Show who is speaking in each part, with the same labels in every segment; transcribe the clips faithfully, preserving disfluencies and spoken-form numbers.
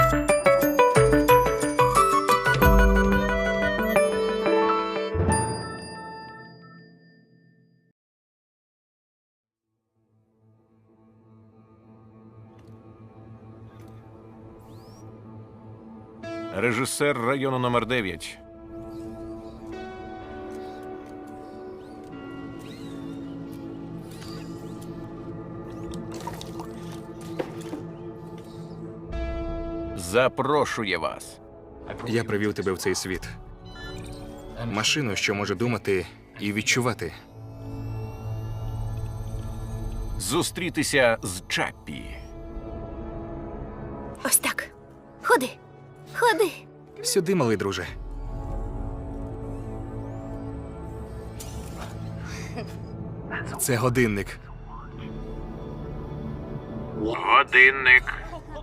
Speaker 1: Режисер району номер дев'ять. Запрошує вас.
Speaker 2: Я привів тебе в цей світ. Машину, що може думати і відчувати.
Speaker 1: Зустрітися з Чаппі.
Speaker 3: Ось так. Ходи. Ходи.
Speaker 2: Сюди, малий друже. Це годинник.
Speaker 1: Годинник.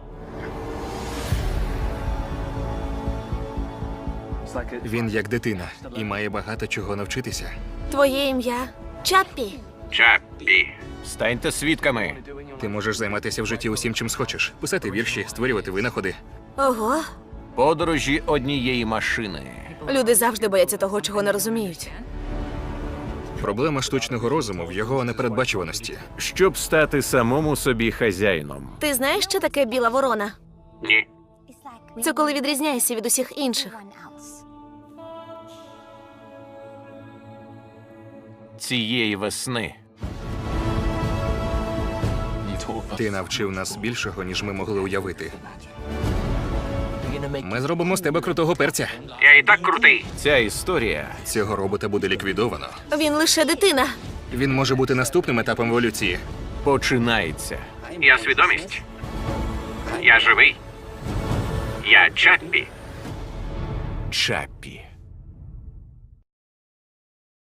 Speaker 2: Він як дитина і має багато чого навчитися.
Speaker 3: Твоє ім'я Чаппі.
Speaker 1: Чаппі. Станьте свідками.
Speaker 2: Ти можеш займатися в житті усім, чим схочеш. Писати вірші, створювати винаходи.
Speaker 3: Ого.
Speaker 1: Подорожі однієї машини.
Speaker 3: Люди завжди бояться того, чого не розуміють.
Speaker 2: Проблема штучного розуму в його непередбачуваності.
Speaker 1: Щоб стати самому собі хазяїном.
Speaker 3: Ти знаєш, що таке біла ворона?
Speaker 1: Ні.
Speaker 3: Це коли відрізняєшся від усіх інших.
Speaker 1: Цієї весни.
Speaker 2: Ти навчив нас більшого, ніж ми могли уявити. Ми зробимо з тебе крутого перця.
Speaker 1: Я і так крутий. Ця історія
Speaker 2: Цього робота буде ліквідовано.
Speaker 3: Він лише дитина.
Speaker 2: Він може бути наступним етапом еволюції.
Speaker 1: починається.
Speaker 4: Я свідомість. Я живий. Я Чаппі.
Speaker 1: Чаппі.